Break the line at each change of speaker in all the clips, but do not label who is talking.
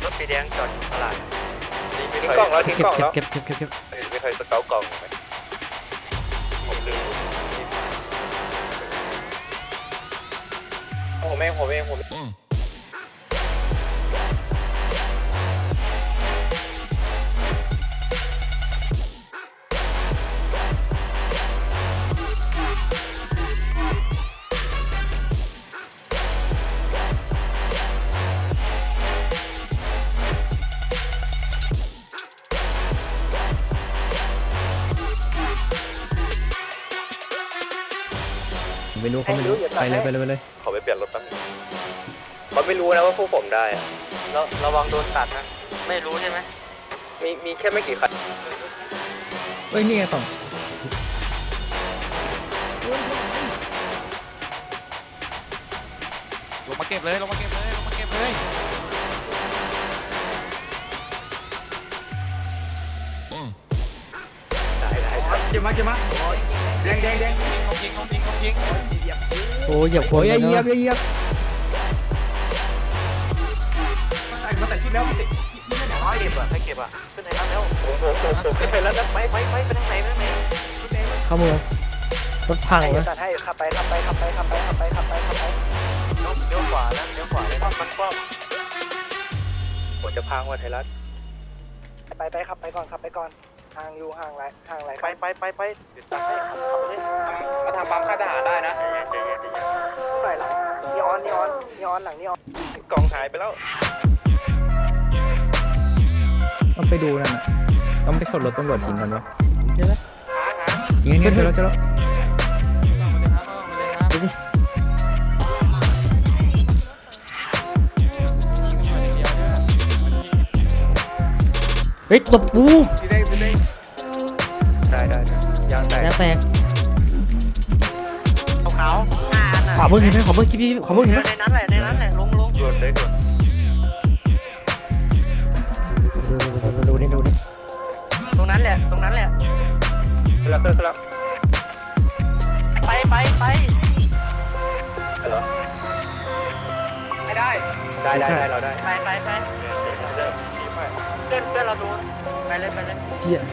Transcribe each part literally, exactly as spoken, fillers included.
รถสีแดงจอดตลาด
ทิ้งกล่องแล้วทิ้งกล่องแล้ว
เก็บเก็บเก็บเก็บ
ไม่เคยสเกลกล่องไหมผมลืมผมเองผมเองผม
ไม่รู้เขาไม่รู้ไปเลยไปเลยไปเลย
ขอไปเปลี่ยนรถแป๊บนึงเขาไม่รู้นะว่าพวกผมได้อะ
เราระวังโดนตัดนะไม่รู้ใช่ไหม
มีมีแค่ไม่กี่คัน
เอ้ยนี่ไงต่อ
ลงมาเก็บเลยลงมาเก็บเลยลงมาเก็บเลย
ได้ได้
เจ็บมาเจ็บมาแดงแดงแดง
ลงยิงลงยิงลงยิง
โอ้ยเหยียบหัวเหยียบเหยียบเหยียบ
มาใส่มาใส่ชุดแล้วมาใส่ไม่ได้เดี๋ยว
ให้เก็บอ่ะให้เก็บอ่ะขึ้นไหนครับแล้ว
ผมผมผมผมไม่เป็นแล้วนะ
ไปไปไปไปทางไหนไปทางไหน
เข้าเมืองรถพัง
ให้
นะ
ตัดให้ขับไปขับไปขับไปขับไปขับไปขับไปขับไป
เลี้ยวเลี้ยวขวานะเลี้ยวขวาเลยนะมันก็
ผมจะพังว่าไทยรัฐ
ไปไปขับไปก่อนขับไปก่อนห่างอยู่ห่างไรห่างไร
ไปไปไปไปเดี๋ยวตัดให้ขับขับไปเลย
มาทำปั๊มค่ายทหารได้นะ
ใจเย็นใจเย็นใจเย็น
ใส่หลังนีออนนีออนนีออนหลังนีออน
กล่องหายไปแล้ว
ต้องไปดูนั่นน่ะต้องไปชนรถตำรวจทิ้งกันวะใช่ไหมทิ้งอันนี้เจอแล้วเจอแล้วดูดิเฮ้ยตบปู
ได้ได้ได้ยางแตก
ยางแตก
ขาวๆห้าอันอ่ะ
ขวามือเห็นไหมขวามือคิดพี่ขวามือเห็นไหม
ในนั้นแหละในนั้นแหละลงลง
ด่วนเลยด่วน
ดูดูนี่ดูนี่
ตรงนั้นแหละตรงนั้นแหละ
ขึ้นแล้วขึ้นแล้ว
ไปไปไป
เหรอ
ไม่ได้
ได้ได้ได้เราได้
ไปไปไป
เริ่มดีมาก
เพื่อนเพื่อนเราโดนไปเลยไปเลย
เหี้ย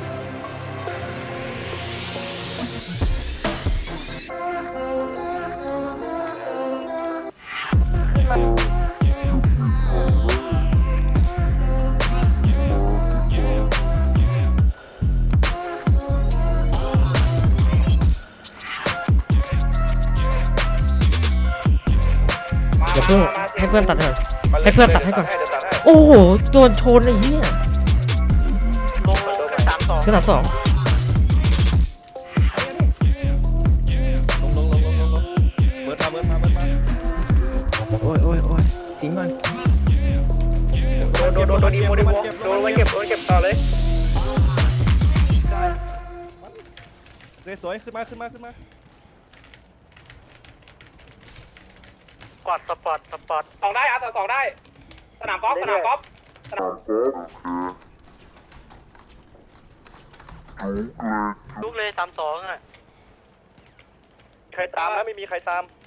อย่าเพิ่งให้เพื่อนตัดเถอะ ให้เพื่อนตัดให้ก่อน
เดี๋ยวตัดให้
โอ้โหโดนชนไอ้เหี้ย
ลงลงขึ้นสามสอง
ขนาดสอง
ลงลงลงลงลงลงเบิร์ดมาเบิร์ดมาเบิร์ดมา
โอ้ยโอ้ยโอ้ยทิ้งก่อน
โดนโดนโดนโดนอีโมดิโมโดนไว้เก็บโดนเก็บต่อเลย
สวยๆขึ้นมาขึ้นมาขึ้นมา
สปอร์ตสปอร์ตสปอร์ต
สองได้อ่ะสองได้สนามกอล์ฟสนามกอล์ฟ
ลุกเลยสามสองอ่ะ
ใครตามนะไม่มีใครตาม